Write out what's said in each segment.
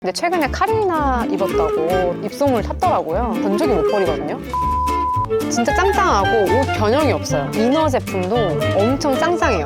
근데 최근에 카리나 입었다고 입소문을 탔더라고요. 건조기 못 버리거든요. 진짜 짱짱하고 옷 변형이 없어요. 이너 제품도 엄청 짱짱해요.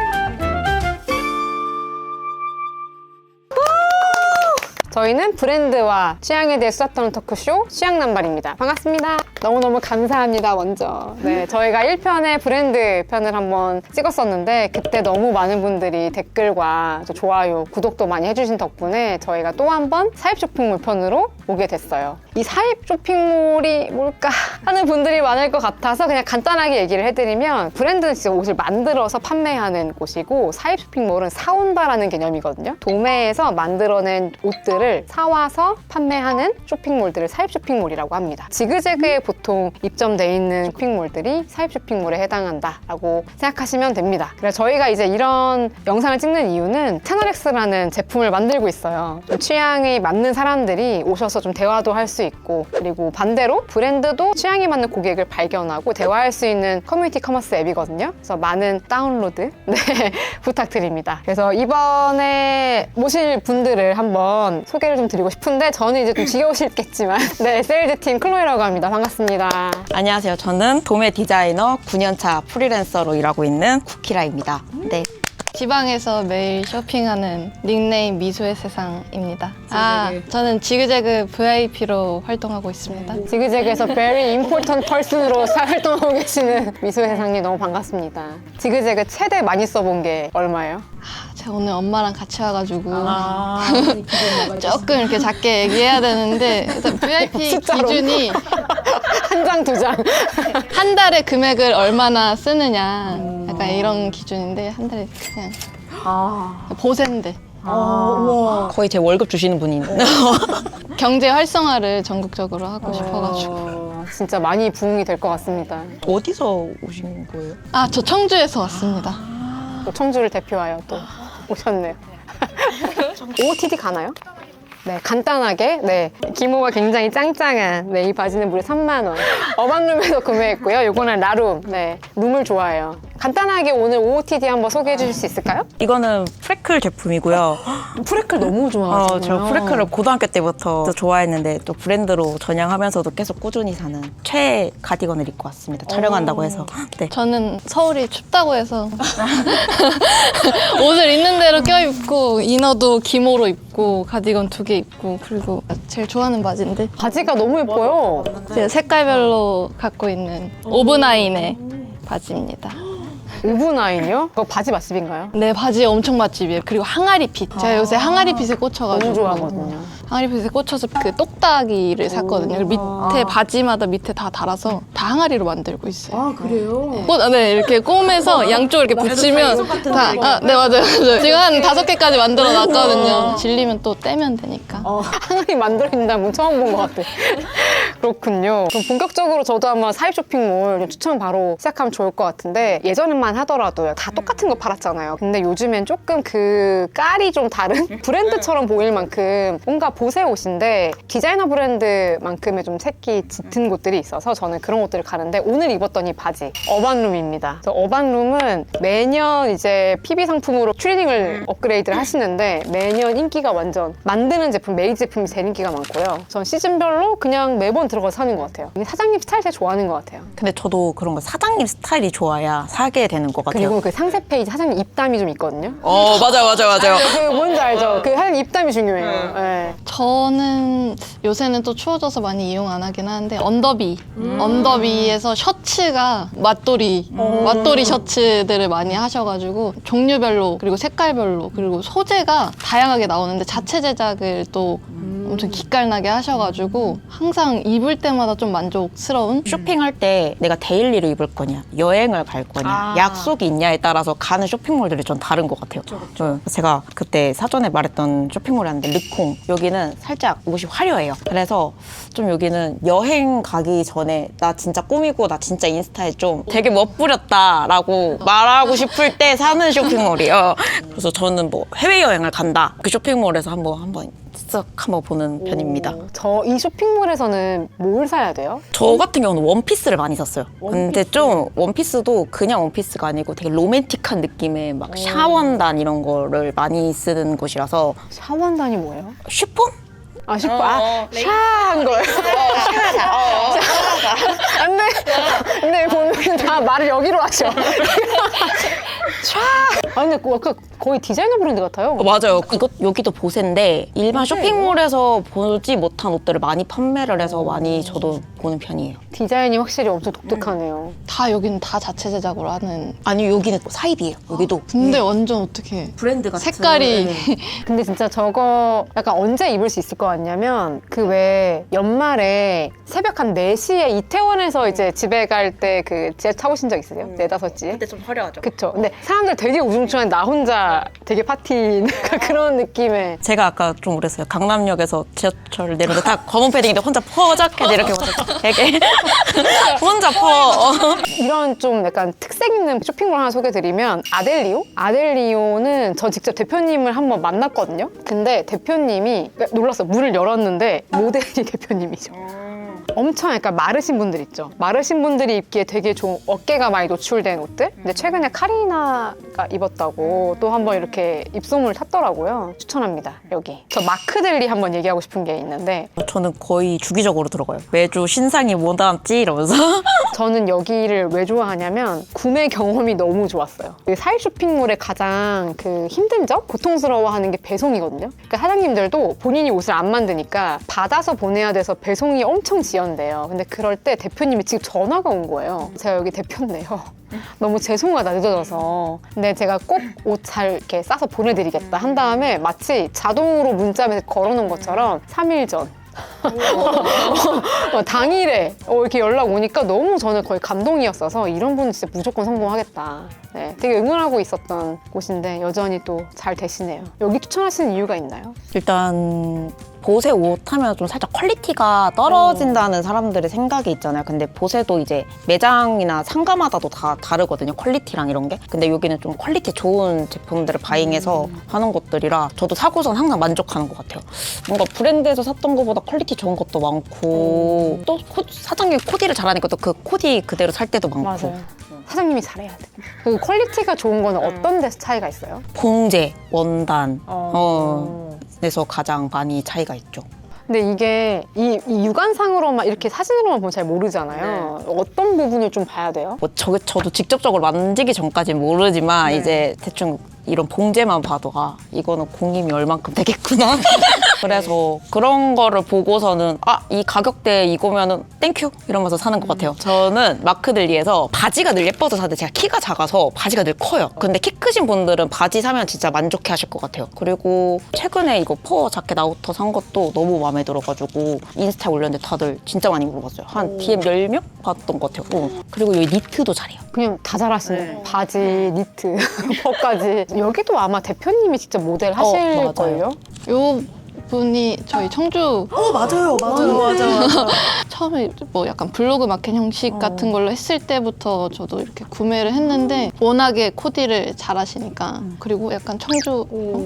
저희는 브랜드와 취향에 대해 수다 떠는 토크쇼 취향남발입니다. 반갑습니다. 너무너무 감사합니다, 먼저. 네, 저희가 1편에 브랜드 편을 한번 찍었었는데 그때 너무 많은 분들이 댓글과 좋아요, 구독도 많이 해주신 덕분에 저희가 또 한 번 사입 쇼핑몰 편으로 오게 됐어요. 이 사입 쇼핑몰이 뭘까 하는 분들이 많을 것 같아서 그냥 간단하게 얘기를 해드리면 브랜드는 진짜 옷을 만들어서 판매하는 곳이고 사입 쇼핑몰은 사온다라는 개념이거든요. 도매에서 만들어낸 옷들을 사와서 판매하는 쇼핑몰들을 사입 쇼핑몰이라고 합니다. 지그재그에 보통 입점돼 있는 쇼핑몰들이 사입 쇼핑몰에 해당한다라고 생각하시면 됩니다. 그래서 저희가 이제 이런 영상을 찍는 이유는 채널X라는 제품을 만들고 있어요. 좀 취향이 맞는 사람들이 오셔서 좀 대화도 할 수 있고, 그리고 반대로 브랜드도 취향이 맞는 고객을 발견하고 대화할 수 있는 커뮤니티 커머스 앱이거든요. 그래서 많은 다운로드 부탁드립니다. 그래서 이번에 모실 분들을 한번 소개를 좀 드리고 싶은데 저는 이제 좀 지겨우시겠지만 네, 세일즈팀 클로이라고 합니다. 반갑습니다. 안녕하세요. 저는 도매 디자이너 9년차 프리랜서로 일하고 있는 쿠키라입니다. 네. 지방에서 매일 쇼핑하는 닉네임 미소의 세상입니다. 저는 지그재그 VIP로 활동하고 있습니다. 지그재그에서 very important person으로 활동하고 계시는 미소의 세상님 너무 반갑습니다. 지그재그 최대 많이 써본 게 얼마예요? 제가 오늘 엄마랑 같이 와가지고 조금 이렇게 작게 얘기해야 되는데 일단 VIP 숫자로. 기준이 한 장, 두 장. 한 달에 금액을 얼마나 쓰느냐 약간 이런 기준인데 한 달에 그냥 보세인데 거의 제 월급 주시는 분인. 경제 활성화를 전국적으로 하고 싶어가지고 진짜 많이 부응이 될 것 같습니다. 어디서 오신 거예요? 저 청주에서 왔습니다. 또 청주를 대표하여 또 오셨네요. OOTD 가나요? 네, 간단하게, 네, 기모가 굉장히 짱짱한, 네, 이 바지는 무려 3만 원. 어반룸에서 구매했고요. 요거는 라룸, 네, 룸을 좋아해요. 간단하게 오늘 OOTD 한번 소개해 주실 수 있을까요? 이거는 프레클 제품이고요. 프레클 너무 좋아하시네요. 저 프레클을 고등학교 때부터 좋아했는데 또 브랜드로 전향하면서도 계속 꾸준히 사는 최애 가디건을 입고 왔습니다. 촬영한다고 해서. 네. 저는 서울이 춥다고 해서 옷을 있는 대로 껴입고 이너도 기모로 입고 가디건 2개 입고 그리고 제일 좋아하는 바지인데 바지가 너무 예뻐요. 제가 색깔별로 갖고 있는 오브나인의 바지입니다. 오브나인이요? 그거 바지 맛집인가요? 네, 바지 엄청 맛집이에요. 그리고 항아리핏. 제가 요새 항아리핏에 꽂혀가지고 너무 좋아하거든요. 항아리핏에 꽂혀서 그 똑딱이를 샀거든요. 그리고 밑에 바지마다 밑에 다 달아서 다 항아리로 만들고 있어요. 아, 그래요? 네, 이렇게 꿰매서 양쪽 이렇게 붙이면 다, 네, 맞아요. 지금 한 5개까지 만들어 놨거든요. 질리면 또 떼면 되니까. 항아리 만들어있다는 분 처음 본 것 같아. 그렇군요. 그럼 본격적으로 저도 한번 사입 쇼핑몰 추천 바로 시작하면 좋을 것 같은데 예전만 하더라도 다 똑같은 거 팔았잖아요. 근데 요즘엔 조금 그 깔이 좀 다른 브랜드처럼 보일 만큼 뭔가 보세 옷인데 디자이너 브랜드만큼의 좀 색이 짙은 곳들이 있어서 저는 그런 옷들을 가는데 오늘 입었던 이 바지 어반룸입니다. 그래서 어반룸은 매년 이제 PB 상품으로 추리닝을 업그레이드를 하시는데 매년 인기가 완전 만드는 제품, 메이드 제품이 제일 인기가 많고요. 전 시즌별로 그냥 매번 들어가서 사는 것 같아요. 사장님 스타일 되게 좋아하는 것 같아요. 근데 저도 그런 거 사장님 스타일이 좋아야 사게 되는 것 같아요. 그리고 그 상세 페이지 사장님 입담이 좀 있거든요. 맞아요. 그 뭔지 알죠? 그 사장님 입담이 중요해요. 네. 저는 요새는 또 추워져서 많이 이용 안 하긴 하는데 언더비에서 셔츠가 맛돌이 셔츠들을 많이 하셔가지고 종류별로 그리고 색깔별로 그리고 소재가 다양하게 나오는데 자체 제작을 또 엄청 기깔나게 하셔가지고 항상 입을 때마다 좀 만족스러운 쇼핑할 때 내가 데일리로 입을 거냐, 여행을 갈 거냐, 약속이 있냐에 따라서 가는 쇼핑몰들이 좀 다른 것 같아요. 제가 그때 사전에 말했던 쇼핑몰이었는데 르콩, 여기는 살짝 옷이 화려해요. 그래서 좀 여기는 여행 가기 전에 나 진짜 꾸미고 나 진짜 인스타에 좀 되게 멋부렸다라고 말하고 싶을 때 사는 쇼핑몰이에요. 그래서 저는 뭐 해외여행을 간다, 그 쇼핑몰에서 한번 쓱 한번 보는 편입니다. 저 이 쇼핑몰에서는 뭘 사야 돼요? 저 같은 경우는 원피스를 많이 샀어요. 근데 좀 원피스도 그냥 원피스가 아니고 되게 로맨틱한 느낌의 막 샤원단 이런 거를 많이 쓰는 곳이라서 샤원단이 뭐예요? 쉬폰? 아, 샤한 거예요. 안 돼. 근데 보면 다 말을 여기로 하셔. 샤. 아, 근데 약간 거의 디자이너 브랜드 같아요. 맞아요. 이것 여기도 보세인데 일반 쇼핑몰에서 보지 못한 옷들을 많이 판매를 해서 많이 저도 보는 편이에요. 디자인이 확실히 엄청 독특하네요. 다 여기는 다 자체 제작으로 하는. 아니 여기는 사입이에요. 여기도. 근데 완전 어떻게 브랜드 같은 색깔이 근데 진짜 저거 약간 언제 입을 수 있을 것 같냐면 그 왜 연말에 새벽 한 4시에 이태원에서 이제 집에 갈 때 그 지하철 타보신 적 있으세요? 4, 5시에? 그때 좀 화려하죠. 그쵸. 근데 사람들 되게 우중충한 나 혼자 되게 파티 그런 느낌의. 제가 아까 좀 그랬어요. 강남역에서 지하철 내려서 다 검은 패딩인데 혼자 퍼적해 이렇게 되게 혼자 퍼. 이런 좀 약간 특색 있는 쇼핑몰 하나 소개드리면 아델리오? 아델리오는 저 직접 대표님을 한번 만났거든요. 근데 대표님이 놀랐어요. 문을 열었는데 모델이 대표님이죠. 엄청 약간 마르신 분들 있죠. 마르신 분들이 입기에 되게 좋은 어깨가 많이 노출된 옷들. 근데 최근에 카리나가 입었다고 또 한번 이렇게 입소문을 탔더라고요. 추천합니다. 여기. 저 마크델리 한번 얘기하고 싶은 게 있는데 저는 거의 주기적으로 들어가요. 매주 신상이 뭐 나왔지 이러면서. 저는 여기를 왜 좋아하냐면 구매 경험이 너무 좋았어요. 그 사입 쇼핑몰의 가장 그 힘든 점? 고통스러워하는 게 배송이거든요. 그러니까 사장님들도 본인이 옷을 안 만드니까 받아서 보내야 돼서 배송이 엄청 지연돼요. 근데 그럴 때 대표님이 지금 전화가 온 거예요. 제가 여기 대표인데요. 너무 죄송하다 늦어져서. 근데 제가 꼭 옷 잘 이렇게 싸서 보내드리겠다 한 다음에 마치 자동으로 문자 걸어놓은 것처럼 3일 전. 당일에 이렇게 연락 오니까 너무 저는 거의 감동이었어서 이런 분은 진짜 무조건 성공하겠다. 네, 되게 응원하고 있었던 곳인데 여전히 또 잘 되시네요. 여기 추천하시는 이유가 있나요? 일단 보세 옷 하면 좀 살짝 퀄리티가 떨어진다는 사람들의 생각이 있잖아요. 근데 보세도 이제 매장이나 상가마다도 다 다르거든요. 퀄리티랑 이런 게. 근데 여기는 좀 퀄리티 좋은 제품들을 바잉해서 하는 것들이라 저도 사고선 항상 만족하는 것 같아요. 뭔가 브랜드에서 샀던 것보다 퀄리티 좋은 것도 많고 또 사장님이 코디를 잘하니까 또 그 코디 그대로 살 때도 많고. 맞아요. 사장님이 잘해야 돼. 그 퀄리티가 좋은 거는 어떤 데서 차이가 있어요? 봉제, 원단, 에서 가장 많이 차이가 있죠. 근데 이게 이 육안상으로만 이렇게 사진으로만 보면 잘 모르잖아요. 어떤 부분을 좀 봐야 돼요? 뭐 저도 직접적으로 만지기 전까지는 모르지만 이제 대충 이런 봉제만 봐도 아 이거는 공임이 얼만큼 되겠구나. 그래서 그런 거를 보고서는 아 이 가격대에 이거면은 땡큐 이러면서 사는 것 같아요. 저는 마크들리에서 바지가 늘 예뻐서 사는데 제가 키가 작아서 바지가 늘 커요. 근데 키 크신 분들은 바지 사면 진짜 만족해 하실 것 같아요. 그리고 최근에 이거 퍼 자켓 아우터 산 것도 너무 마음에 들어가지고 인스타에 올렸는데 다들 진짜 많이 물어봤어요. 한 DM 10명 봤던 것 같아요. 그리고 여기 니트도 잘해요. 그냥 다 잘하시네. 바지, 니트, 퍼까지. 여기도 아마 대표님이 직접 모델 하실 맞아요. 걸요? 요 분이 저희 청주 맞아요. 처음에 뭐 약간 블로그 마켓 형식 같은 걸로 했을 때부터 저도 이렇게 구매를 했는데 워낙에 코디를 잘하시니까 그리고 약간 청주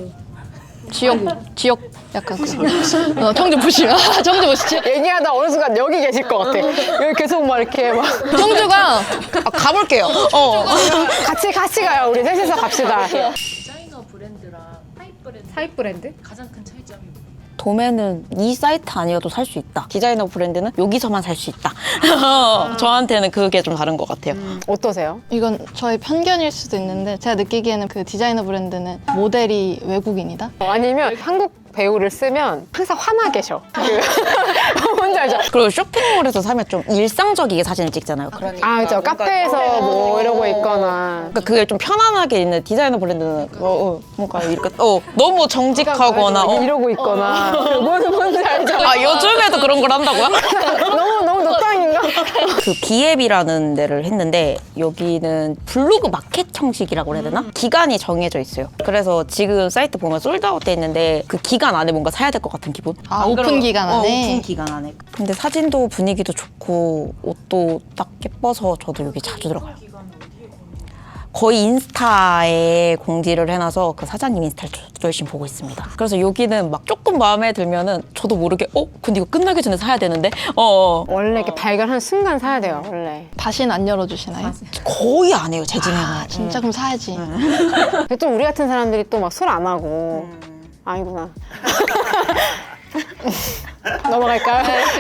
지역 약간 청주 부시 청주 부시 얘기하다 어느 순간 여기 계실 것 같아. 여기 계속 막 이렇게 막 청주가 가볼게요. 같이 가요. 우리 셋이서 갑시다. 디자이너 브랜드랑 사입 브랜드 가장 큰 차이점이 뭐예요? 도매는 이 사이트 아니어도 살 수 있다. 디자이너 브랜드는 여기서만 살 수 있다. 저한테는 그게 좀 다른 것 같아요. 어떠세요? 이건 저의 편견일 수도 있는데 제가 느끼기에는 그 디자이너 브랜드는 모델이 외국인이다. 아니면 한국 배우를 쓰면 항상 화나 계셔. 뭔지 알죠? 그리고 쇼핑몰에서 사면 좀 일상적이게 사진을 찍잖아요. 아, 그죠. 카페에서 뭐 이러고 있거나. 그러니까 그게 좀 편안하게 있는 디자이너 브랜드는 뭔가 이렇게 너무 정직하거나 이러고 있거나. 뭔지 알죠? 아 요즘에도 그런 걸 한다고요? 너무 노땅인가? 그 비앱이라는 데를 했는데 여기는 블로그 마켓 형식이라고 해야 되나? 기간이 정해져 있어요. 그래서 지금 사이트 보면 솔드아웃 돼 있는데 그 기간 안에 뭔가 사야 될 것 같은 기분? 아, 오픈 기간 안에? 오픈 기간 안에. 근데 사진도 분위기도 좋고 옷도 딱 예뻐서 저도 여기 자주 들어가요. 거의 인스타에 공지를 해놔서 그 사장님 인스타를 열심히 보고 있습니다. 그래서 여기는 막 조금 마음에 들면은 저도 모르게 근데 이거 끝나기 전에 사야 되는데 원래 이렇게 발견한 순간 사야 돼요, 원래. 다시는 안 열어주시나요? 거의 안 해요, 제 집에는. 진짜 그럼 사야지. 근데 또 우리 같은 사람들이 또 막 술 안 하고. 아니구나. 넘어갈까요?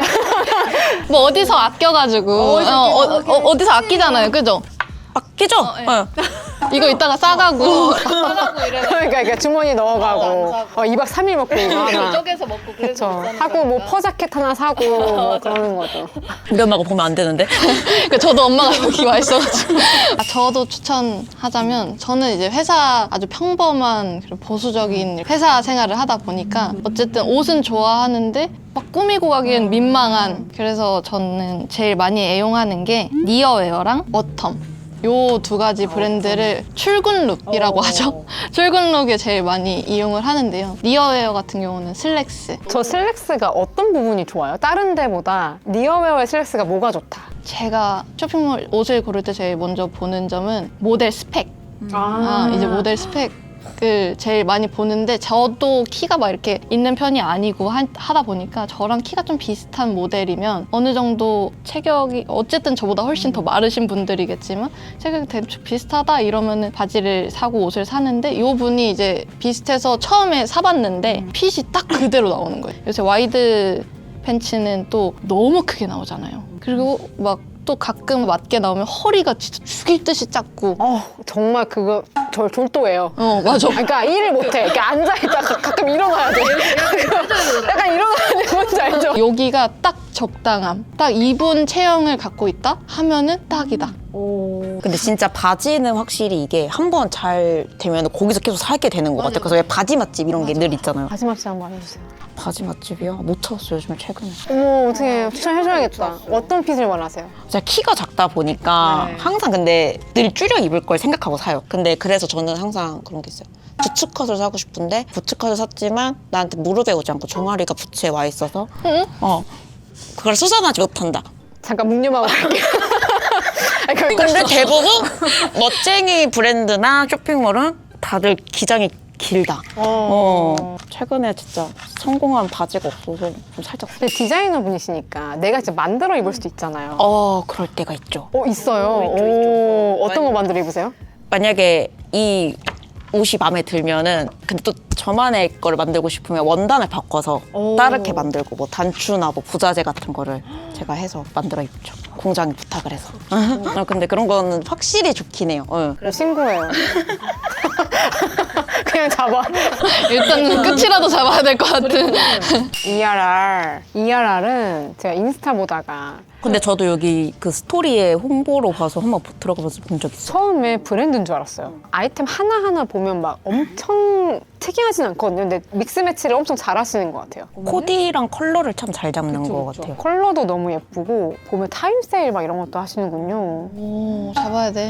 뭐 어디서 아껴가지고 어디서 아끼잖아요, 그죠? 아끼죠? 어. 이거 이따가 싸가고 그러니까 이렇게 주머니 넣어가고 2박 3일 먹고 이거 하나. 쪼개서 먹고 그쵸. 하고 뭐 퍼자켓 하나 사고 뭐 그러는 거죠. 우리 엄마가 보면 안 되는데. 그러니까 저도 엄마가 여기 와 있어가지고 저도 추천하자면 저는 이제 회사 아주 평범한 그리고 보수적인 회사 생활을 하다 보니까 어쨌든 옷은 좋아하는데 막 꾸미고 가기엔 민망한 그래서 저는 제일 많이 애용하는 게 니어웨어랑 어텀 요 두 가지 브랜드를 출근룩이라고 하죠. 출근룩에 제일 많이 이용을 하는데요. 니어웨어 같은 경우는 슬랙스. 저 슬랙스가 어떤 부분이 좋아요? 다른 데보다 니어웨어의 슬랙스가 뭐가 좋다? 제가 쇼핑몰 옷을 고를 때 제일 먼저 보는 점은 모델 스펙. 이제 모델 스펙을 제일 많이 보는데 저도 키가 막 이렇게 있는 편이 아니고 하다 보니까 저랑 키가 좀 비슷한 모델이면 어느 정도 체격이 어쨌든 저보다 훨씬 더 마르신 분들이겠지만 체격이 대충 비슷하다 이러면은 바지를 사고 옷을 사는데 이 분이 이제 비슷해서 처음에 사봤는데 핏이 딱 그대로 나오는 거예요. 요새 와이드 팬츠는 또 너무 크게 나오잖아요. 그리고 막 또 가끔 맞게 나오면 허리가 진짜 죽일 듯이 작고 정말 그거 저 졸도해요. 맞아. 그러니까 일을 못해. 이렇게 앉아있다가 가끔 일어나야 돼. 약간 일어나야 돼. 뭔지 알죠? 여기가 딱 적당함. 딱 이분 체형을 갖고 있다 하면은 딱이다. 근데 진짜 바지는 확실히 이게 한 번 잘 되면 거기서 계속 살게 되는 것 같아요. 그래서 왜 바지 맛집 이런 게 늘 있잖아요. 바지 맛집 한번 해주세요. 바지 맛집이요? 못 찾았어요, 요즘에 최근에. 어머 어떻게 추천해줘야겠다. 어떤 핏을 원하세요? 제가 키가 작다 보니까 네. 항상 근데 늘 줄여 입을 걸 생각하고 사요. 근데 그래서 저는 항상 그런 게 있어요. 부츠컷을 사고 싶은데 부츠컷을 샀지만 나한테 무릎에 오지 않고 종아리가 부츠에 와 있어서 그걸 수선하지 못한다. 잠깐 묵념하고 갈게요. 근데 대부분 멋쟁이 브랜드나 쇼핑몰은 다들 기장이 길다. 최근에 진짜 성공한 바지가 없어서 좀 살짝. 근데 디자이너 분이시니까 내가 진짜 만들어 입을 수도 있잖아요. 그럴 때가 있죠. 있어요. 오, 어떤 거 만들어 입으세요? 만약에 이 옷이 마음에 들면은 근데 또 저만의 거를 만들고 싶으면 원단을 바꿔서 다르게 만들고 뭐 단추나 뭐 부자재 같은 거를 제가 해서 만들어 입죠. 공장에 부탁을 해서. 근데 그런 거는 확실히 좋긴 해요. 신고해요. 그냥 잡아. 일단 끝이라도 잡아야 될 것 같은. ERR은 제가 인스타 보다가 근데 저도 여기 그 스토리에 홍보로 봐서 한번 들어가서 본 적 있어요. 처음에 브랜드인 줄 알았어요. 아이템 하나하나 보면 막 엄청 특이하진 않거든요. 근데 믹스 매치를 엄청 잘 하시는 것 같아요. 코디랑 컬러를 참 잘 잡는 것 같아요. 컬러도 너무 예쁘고 보면 타임 세일 막 이런 것도 하시는군요. 오, 잡아야 돼.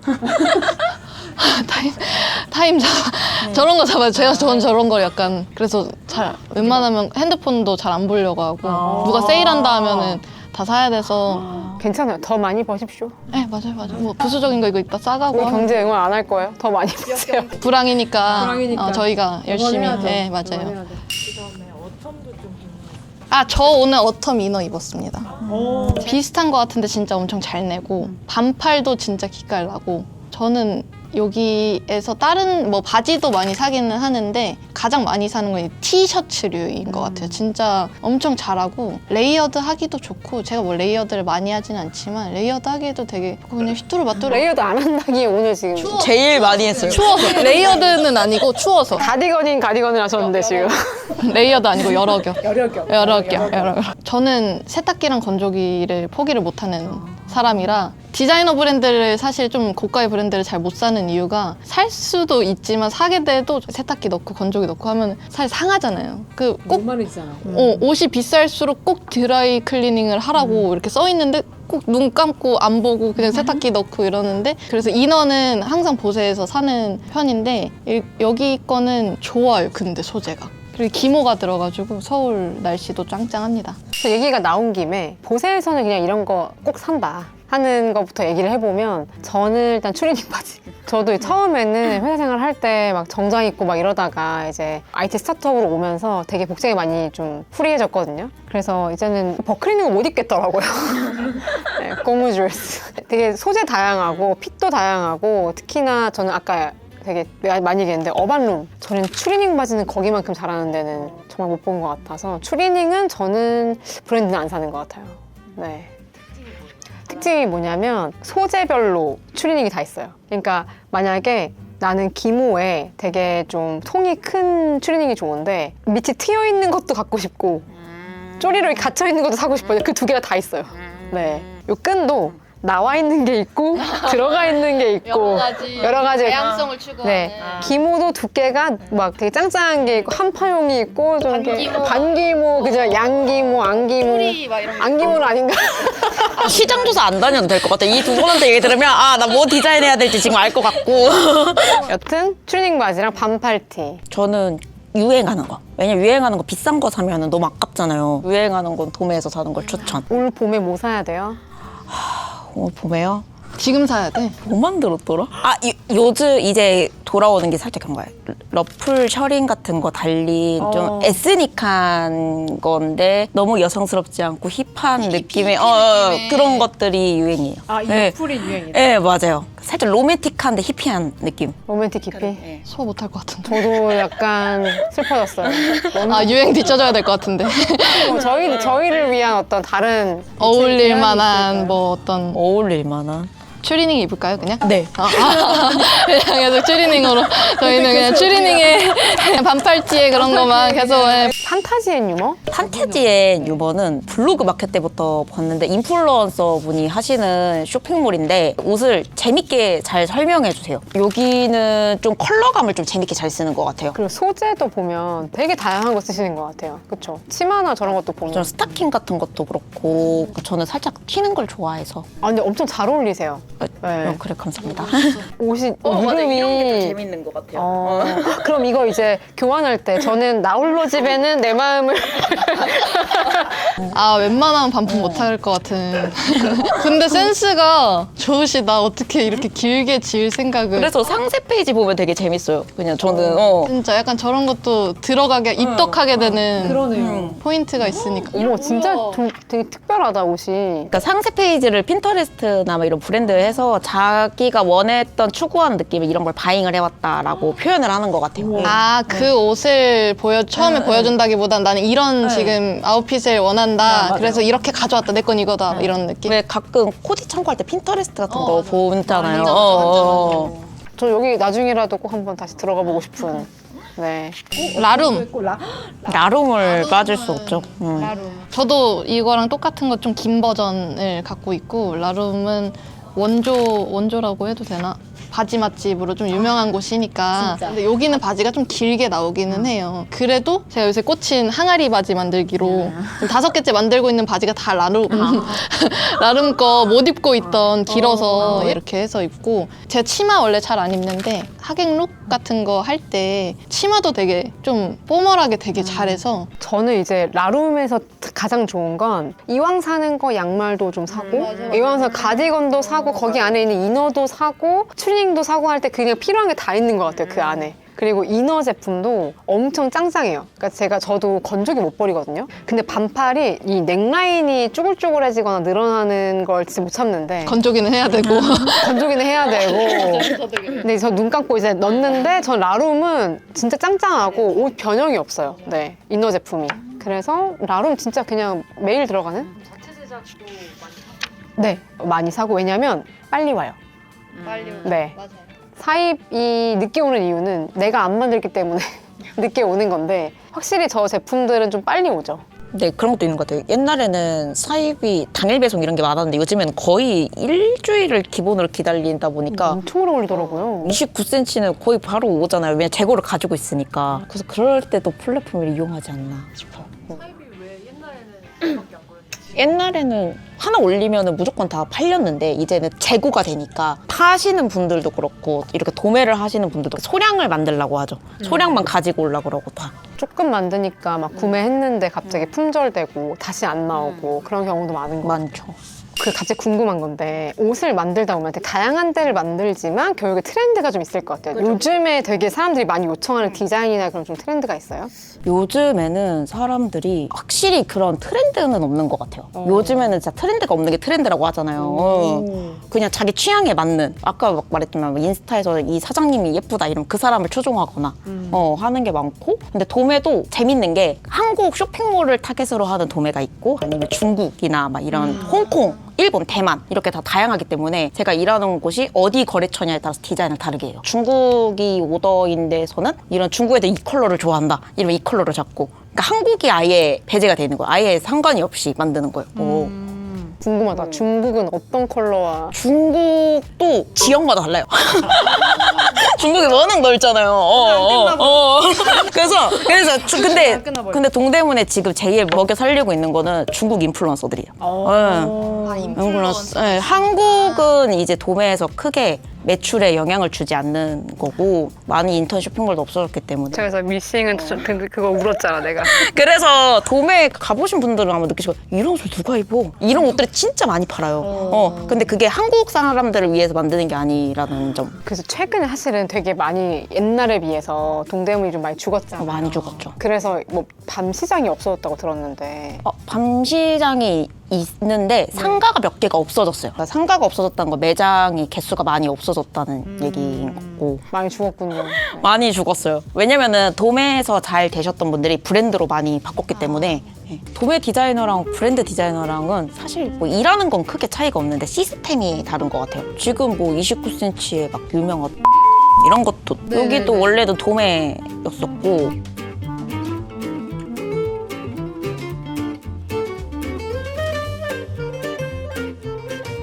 타임 잡아. 저런 거 잡아요. 전 저런 걸 약간 그래서 잘 웬만하면 핸드폰도 잘 안 보려고 하고 누가 세일한다 하면은 다 사야 돼서 괜찮아요. 더 많이 버십시오. 네 맞아요. 뭐 부수적인 거 이거 이따 싸가고 우리 하면 경제 응원 안 할 거예요. 더 많이 버세요. 불황이니까 저희가 열심히 네 맞아요. 그다음에 어텀도 좀 저 오늘 어텀 이너 입었습니다. 비슷한 거 같은데 진짜 엄청 잘 내고 반팔도 진짜 기깔 나고 저는 여기에서 다른 뭐 바지도 많이 사기는 하는데 가장 많이 사는 건 티셔츠류인 것 같아요. 진짜 엄청 잘하고 레이어드 하기도 좋고 제가 뭐 레이어드를 많이 하진 않지만 레이어드 하기에도 되게 그냥 휘뚜루마뚜루 레이어드 안 한다기에 오늘 지금 제일 많이 했어요. 추워서 레이어드는 아니고 추워서 가디건을 하셨는데 지금 레이어드 아니고 여러 겹. 여러 겹. 저는 세탁기랑 건조기를 포기를 못하는 사람이라 디자이너 브랜드를 사실 좀 고가의 브랜드를 잘 못 사는 이유가 살 수도 있지만 사게 돼도 세탁기 넣고 건조기 넣고 하면 사실 상하잖아요. 꼭 말이잖아. 옷이 비쌀수록 꼭 드라이 클리닝을 하라고 이렇게 써 있는데 꼭 눈 감고 안 보고 그냥 세탁기 넣고 이러는데 그래서 이너는 항상 보세에서 사는 편인데 여기 거는 좋아요. 근데 소재가. 그리고 기모가 들어가지고 서울 날씨도 짱짱합니다. 얘기가 나온 김에 보세에서는 그냥 이런 거 꼭 산다 하는 것부터 얘기를 해보면 저는 일단 추리닝 바지. 저도 처음에는 회사 생활 할 때 막 정장 입고 막 이러다가 이제 IT 스타트업으로 오면서 되게 복장이 많이 좀 프리해졌거든요. 그래서 이제는 버클 있는 거 못 입겠더라고요. 네, 고무 드레스. 되게 소재 다양하고 핏도 다양하고 특히나 저는 아까 되게 많이 얘기했는데 어반룸. 저는 추리닝 바지는 거기만큼 잘하는 데는 정말 못 본 것 같아서 추리닝은 저는 브랜드는 안 사는 것 같아요. 네. 특징이 뭐냐면 소재별로 추리닝이 다 있어요. 그러니까 만약에 나는 기모에 되게 좀 통이 큰 추리닝이 좋은데 밑이 트여 있는 것도 갖고 싶고 쪼리로 갇혀 있는 것도 사고 싶어요. 그 두 개가 다 있어요. 네. 요 끈도 나와 있는 게 있고 들어가 있는 게 있고 여러 가지 다양성을 추구하는. 네. 기모도 두께가 막 되게 짱짱한 게 있고 한파용이 있고 좀 이렇게 반기모, 그죠? 양기모, 안기모. 막 이런 거. 안기모는 아닌가? 시장 조사 안 다녀도 될 것 같아. 이 두 분한테 얘기 들으면 나 뭐 디자인해야 될지 지금 알 것 같고. 여튼 추리닝 바지랑 반팔티. 저는 유행하는 거. 왜냐면 유행하는 거 비싼 거 사면 너무 아깝잖아요. 유행하는 건 도매에서 사는 걸 추천. 올 봄에 뭐 사야 돼요? 봄에요? 지금 사야 돼. 뭐 만들었더라? 요즘 이제 돌아오는 게 살짝 그런 거예요. 러플 셔링 같은 거 달린 좀 에스닉한 건데 너무 여성스럽지 않고 힙한 느낌의 그런 것들이 유행이에요. 아, 이 네. 풀이 유행이다. 네, 맞아요. 살짝 로맨틱한데 히피한 느낌. 로맨틱 깊이? 소화 못할 것 같은데. 저도 약간 슬퍼졌어요. 유행 뒤쳐져야 될 것 같은데. 저희를 위한 어떤 다른 어울릴 제안이 만한 있을까요? 뭐 어떤 어울릴 만한. 추리닝 입을까요, 그냥? 네. 그냥 계속 추리닝으로. 저희는 그냥 추리닝에 반팔티에 그런 거만 계속. 판타지 앤 유머? 판타지의 유머는 블로그 마켓 때부터 봤는데 인플루언서 분이 하시는 쇼핑몰인데 옷을 재밌게 잘 설명해 주세요. 여기는 좀 컬러감을 좀 재밌게 잘 쓰는 것 같아요. 그리고 소재도 보면 되게 다양한 거 쓰시는 것 같아요. 그쵸? 치마나 저런 것도 보면. 저는 스타킹 같은 것도 그렇고 저는 살짝 튀는 걸 좋아해서. 근데 엄청 잘 어울리세요. 네. 그래 감사합니다. 옷이 이름이 재밌는 것 같아요. 그럼 이거 이제 교환할 때 저는 나홀로 집에는 내 마음을 웬만하면 반품 못할 것 같은. 근데 센스가 좋으시다. 어떻게 이렇게 길게 지을 생각을. 그래서 상세 페이지 보면 되게 재밌어요. 그냥 저는 진짜 약간 저런 것도 들어가게 입덕하게 되는 포인트가 있으니까. 어머 진짜 되게 특별하다 옷이. 그러니까 상세 페이지를 핀터레스트나 뭐 이런 브랜드에서 자기가 원했던 추구하는 느낌의 이런 걸 바잉을 해왔다라고 표현을 하는 것 같아요. 그 옷을 처음에 보여준다기보단 나는 이런 지금 아웃핏을 원한다. 그래서 이렇게 가져왔다. 내 건 이거다. 이런 느낌. 왜 가끔 코디 참고할 때 핀터레스트 같은 거 보잖아요. 저 여기 나중에라도 꼭 한번 다시 들어가 보고 싶은. 네. 라룸. 나rum을 빠질 수 없죠. 저도 이거랑 똑같은 것 좀 긴 버전을 갖고 있고 라룸은 원조라고 해도 되나? 바지 맛집으로 좀 유명한 곳이니까. 근데 여기는 바지가 좀 길게 나오기는 해요. 그래도 제가 요새 꽂힌 항아리 바지 만들기로 지금 5개째 만들고 있는 바지가 다 라룸 거 못 입고 있던 길어서 이렇게 해서 입고. 제가 치마 원래 잘 안 입는데 하객룩 같은 거 할 때 치마도 되게 좀 포멀하게 되게 잘해서. 저는 이제 라룸에서 가장 좋은 건 이왕 사는 거 양말도 좀 사고 이왕 사서 가디건도 사고 거기 안에 있는 이너도 사고 추리닝도 사고 할 때 그냥 필요한 게 다 있는 것 같아요. 그 안에. 그리고 이너 제품도 엄청 짱짱해요. 그러니까 저도 건조기 못 버리거든요. 근데 반팔이 이 넥라인이 쭈글쭈글해지거나 늘어나는 걸 진짜 못 참는데 건조기는 해야 되고. 건조기는 해야 되고. 근데 저 눈 감고 이제 넣는데 전 라룸은 진짜 짱짱하고 옷 변형이 없어요. 네, 이너 제품이. 그래서 라룸 진짜 그냥 매일 들어가는? 자체 제작도 많이 네, 많이 사고. 왜냐면 빨리 와요. 빨리 네. 맞아요. 사입이 늦게 오는 이유는 내가 안 만들기 때문에 늦게 오는 건데 확실히 저 제품들은 좀 빨리 오죠. 네, 그런 것도 있는 것 같아요. 옛날에는 사입이 당일 배송 이런 게 많았는데 요즘에는 거의 일주일을 기본으로 기다린다 보니까 엄청 오래 걸리더라고요. 29cm는 거의 바로 오잖아요. 왜냐면 재고를 가지고 있으니까. 그래서 그럴 때도 플랫폼을 이용하지 않나 싶어요. 사입이 왜 옛날에는 이렇게밖에 안 걸렸지? 옛날에는 하나 올리면 무조건 다 팔렸는데 이제는 재고가 되니까 파시는 분들도 그렇고 이렇게 도매를 하시는 분들도 소량을 만들려고 하죠. 소량만 가지고 오려고 그러고 다. 조금 만드니까 막 구매했는데 갑자기 품절되고 다시 안 나오고 그런 경우도 많은 것 같아요. 많죠. 그 갑자기 궁금한 건데 옷을 만들다 보면 되게 다양한 데를 만들지만 결국에 트렌드가 좀 있을 것 같아요. 요즘에 되게 사람들이 많이 요청하는 디자인이나 그런 좀 트렌드가 있어요? 요즘에는 사람들이 확실히 그런 트렌드는 없는 것 같아요. 요즘에는 진짜 트렌드가 없는 게 트렌드라고 하잖아요. 그냥 자기 취향에 맞는, 아까 막 말했지만 인스타에서 이 사장님이 예쁘다 이러면 그 사람을 추종하거나 하는 게 많고, 근데 도매도 재밌는 게 한국 쇼핑몰을 타겟으로 하는 도매가 있고 아니면 중국이나 막 이런 홍콩, 일본, 대만 이렇게 다 다양하기 때문에 제가 일하는 곳이 어디 거래처냐에 따라서 디자인을 다르게 해요. 중국이 오더인 데서는 이런 중국 애들 이 컬러를 좋아한다 이러면 이 컬러를 잡고, 그러니까 한국이 아예 배제가 되는 거예요. 아예 상관이 없이 만드는 거예요. 궁금하다. 중국은 어떤 컬러와 중국도 지역마다 달라요. 중국이 워낙 넓잖아요. 그래서 근데 동대문에 지금 제일 먹여 살리고 있는 거는 중국 인플루언서들이에요. 인플루언서. 네, 한국은 이제 도매에서 크게 매출에 영향을 주지 않는 거고 많이 인터넷 쇼핑몰도 없어졌기 때문에. 그래서 미싱은 그거 울었잖아 내가. 그래서 도매 가보신 분들은 아마 느끼시고 이런 옷을 누가 입어? 이런 옷들이 진짜 많이 팔아요. 근데 그게 한국 사람들을 위해서 만드는 게 아니라는 점. 그래서 최근에 사실은 되게 많이 옛날에 비해서 동대문이 좀 많이 죽었잖아. 많이 죽었죠. 그래서 뭐 밤 시장이 없어졌다고 들었는데 밤 시장이 있는데 상가가 몇 개가 없어졌어요. 그러니까 상가가 없어졌다는 건 매장이 개수가 많이 없어졌다는 얘기인 거고. 많이 죽었군요. 많이 죽었어요. 왜냐면은 도매에서 잘 되셨던 분들이 브랜드로 많이 바꿨기 때문에. 도매 디자이너랑 브랜드 디자이너랑은 사실 뭐 일하는 건 크게 차이가 없는데 시스템이 다른 것 같아요. 지금 뭐 29cm의 막 유명한 이런 것도 여기도 원래도 도매였었고